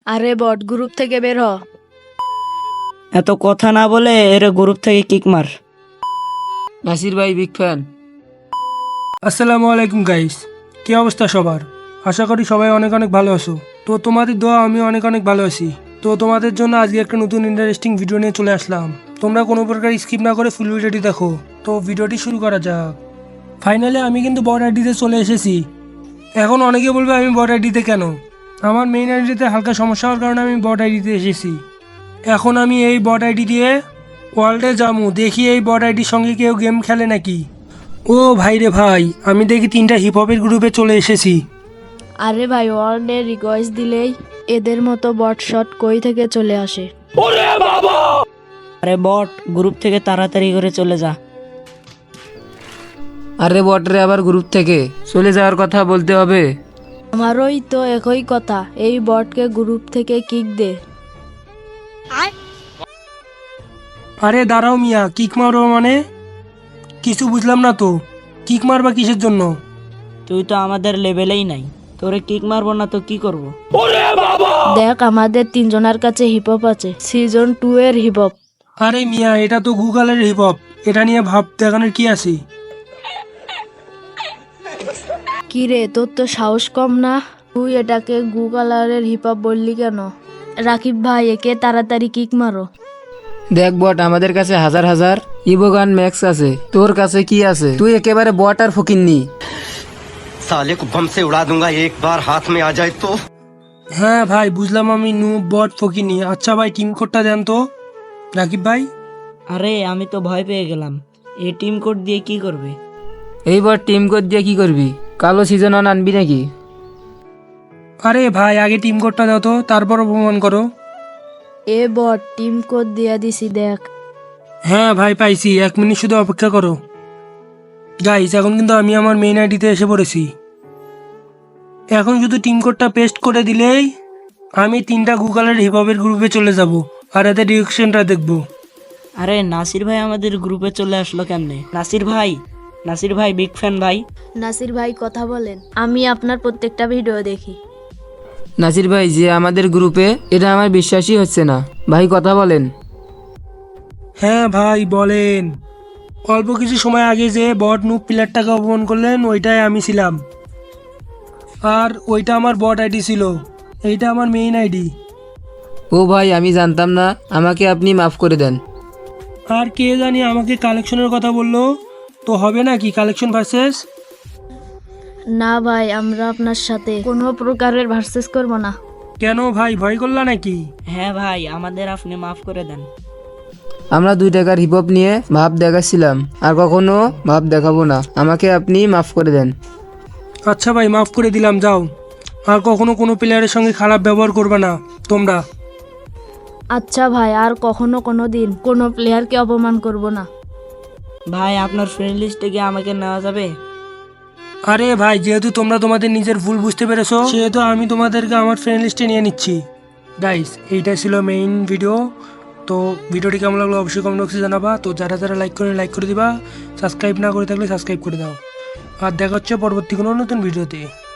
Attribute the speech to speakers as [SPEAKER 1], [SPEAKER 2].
[SPEAKER 1] আরে বট গ্রুপ থেকে বের হ।
[SPEAKER 2] এত কথা না বলে এর গ্রুপ থেকে কিক মার।
[SPEAKER 3] নাসির ভাই বিগ ফ্যান।
[SPEAKER 4] আসসালামু আলাইকুম গাইস, কি অবস্থা সবার? আশা করি সবাই অনেক অনেক ভালো আছো। তো তোমাদের দোয়া আমি অনেক অনেক ভালো আছি। তো তোমাদের জন্য আজকে একটা নতুন ইন্টারেস্টিং ভিডিও নিয়ে চলে আসলাম। তোমরা কোনো প্রকার স্কিপ না করে ফুল ভিডিওটি দেখো। তো ভিডিওটি শুরু করা যাক। ফাইনালি আমি কিন্তু বট আইডিতে চলে এসেছি। এখন অনেকে বলবে আমি বট আইডিতে কেন? আমার মেইন আইডিতে হালকা সমস্যা হওয়ার কারণে আমি বট আইডিতে এসেছি। এখন আমি এই বট আইডি দিয়ে ওয়ার্ল্ডে যাবো, দেখি এই বট আইডির সঙ্গে কেউ গেম খেলে নাকি। ও ভাই রে ভাই, আমি দেখি 3টা হিপ হপের গ্রুপে চলে এসেছি।
[SPEAKER 1] আরে ভাই ওয়ার্ল্ডে রিকোয়েস্ট দিলেই এদের মতো বট শট কই থেকে চলে আসে।
[SPEAKER 2] আরে বট, গ্রুপ থেকে তাড়াতাড়ি করে চলে যা।
[SPEAKER 3] আরে বটরে আবার গ্রুপ থেকে চলে যাওয়ার কথা বলতে হবে?
[SPEAKER 1] আমারই তো একই কথা, এই বটকে গ্রুপ থেকে কিক দে।
[SPEAKER 4] আরে দাঁড়াও মিয়া, কিক মারো মানে? কিছু বুঝলাম না তো, কিক মারবা কিসের জন্য?
[SPEAKER 2] তুই তো আমাদের লেভেলেই নাই, তোরে কিক মারবো না তো কি করব?
[SPEAKER 1] দেখ আমাদের 3জনের কাছে হিপহপ আছে, সিজন 2 এর হিপহপ।
[SPEAKER 4] আরে মিয়া, এটা তো গুগলের হিপ হপ, এটা নিয়ে ভাব দেখানোর কি আছে?
[SPEAKER 1] কি রে, তোর তো সাহস কম না? তুই এটাকে গুগলারের হিপহপ বললি কেন? রাকিব ভাই, একে তাড়াতাড়ি কিক মারো।
[SPEAKER 3] দেখ বট, আমাদের কাছে হাজার হাজার ইবোগান ম্যাক্স আছে, তোর কাছে কি আছে? তুই একেবারে বট আর ফকিন্নি।
[SPEAKER 5] साले को बम से उड़ा दूंगा एक बार हाथ में आ जाए तो।
[SPEAKER 4] হ্যাঁ ভাই, বুঝলাম আমি নু বট ফকিনি। আচ্ছা ভাই, টিম কোডটা দেন তো রাকিব ভাই।
[SPEAKER 2] আরে আমি তো ভয় পেয়ে গেলাম, এই টিম কোড দিয়ে কি করবে?
[SPEAKER 3] এই বট টিম কোড দিয়ে কি করবি? কালো সিজন অন আনবি নাকি?
[SPEAKER 4] আরে ভাই, আগে টিম কোডটা দাও তো, তারপর অপমান করো।
[SPEAKER 1] এ বট টিম কোড দিয়া দিছি, দেখ।
[SPEAKER 4] হ্যাঁ ভাই, পাইছি, 1 মিনিট শুধু অপেক্ষা করো। গাইস, এখন কিন্তু আমি আমার মেইন আইডিতে এসে পড়েছি। এখন শুধু টিম কোডটা পেস্ট করে দিলেই আমি 3টা গুগলের হিপহপের গ্রুপে চলে যাব আর এদের রিঅ্যাকশনটা দেখব।
[SPEAKER 2] আরে নাসির ভাই আমাদের গ্রুপে চলে আসলো কেমনে? নাসির ভাই বিগ ফ্যান ভাই।
[SPEAKER 1] নাসির ভাই কথা বলেন, আমি আপনার প্রত্যেকটা ভিডিও দেখি।
[SPEAKER 3] নাসির ভাই যে আমাদের গ্রুপে, এটা আমার বিশ্বাসই হচ্ছে না। ভাই কথা বলেন।
[SPEAKER 4] হ্যাঁ ভাই বলেন। অল্প কিছু সময় আগে যে বট নুব প্লেয়ারটাকে অপমান করলেন, ওইটাই আমি ছিলাম। আর ওইটা আমার বট আইডি ছিল, এইটা আমার মেইন আইডি।
[SPEAKER 3] ও ভাই, আমি জানতাম না, আমাকে আপনি মাফ করে দেন।
[SPEAKER 4] আর কে জানি আমাকে কালেকশনের কথা বললো, তো হবে নাকি কালেকশন ভার্সেস?
[SPEAKER 1] না ভাই, আমরা আপনার সাথে কোনো প্রকারের ভার্সেস করব না।
[SPEAKER 4] কেন ভাই, ভয় করলা নাকি?
[SPEAKER 2] হ্যাঁ ভাই, আমাদের আপনি মাফ করে দেন।
[SPEAKER 3] আমরা 2 টাকার হিপহপ নিয়ে ভাব দেখাচ্ছিলাম, আর কখনো ভাব দেখাবো না। আমাকে আপনি মাফ করে দেন।
[SPEAKER 4] আচ্ছা ভাই, মাফ করে দিলাম, যাও। আর কখনো কোনো প্লেয়ারের সঙ্গে খারাপ ব্যবহার করবে না তোমরা।
[SPEAKER 1] আচ্ছা ভাই, আর কখনো কোনো দিন কোনো প্লেয়ারকে অপমান করব না।
[SPEAKER 2] ভাই আপনার ফ্রেন্ড লিস্টে গিয়ে আমাকে নেওয়া যাবে?
[SPEAKER 4] আরে ভাই, যেহেতু তোমরা তোমাদের নিজের ভুল বুঝতে পেরেছো, সেহেতু আমি তোমাদেরকে আমার ফ্রেন্ড লিস্টে নিয়ে নিচ্ছি। গাইস, এইটা ছিল মেইন ভিডিও। তো ভিডিওটি কেমন লাগলো অবশ্যই কমেন্ট বক্সে জানাবা। তো যারা যারা লাইক করে দিবা, সাবস্ক্রাইব না করে থাকলে সাবস্ক্রাইব করে দাও। আর দেখা হচ্ছে পরবর্তী কোনো নতুন ভিডিওতে।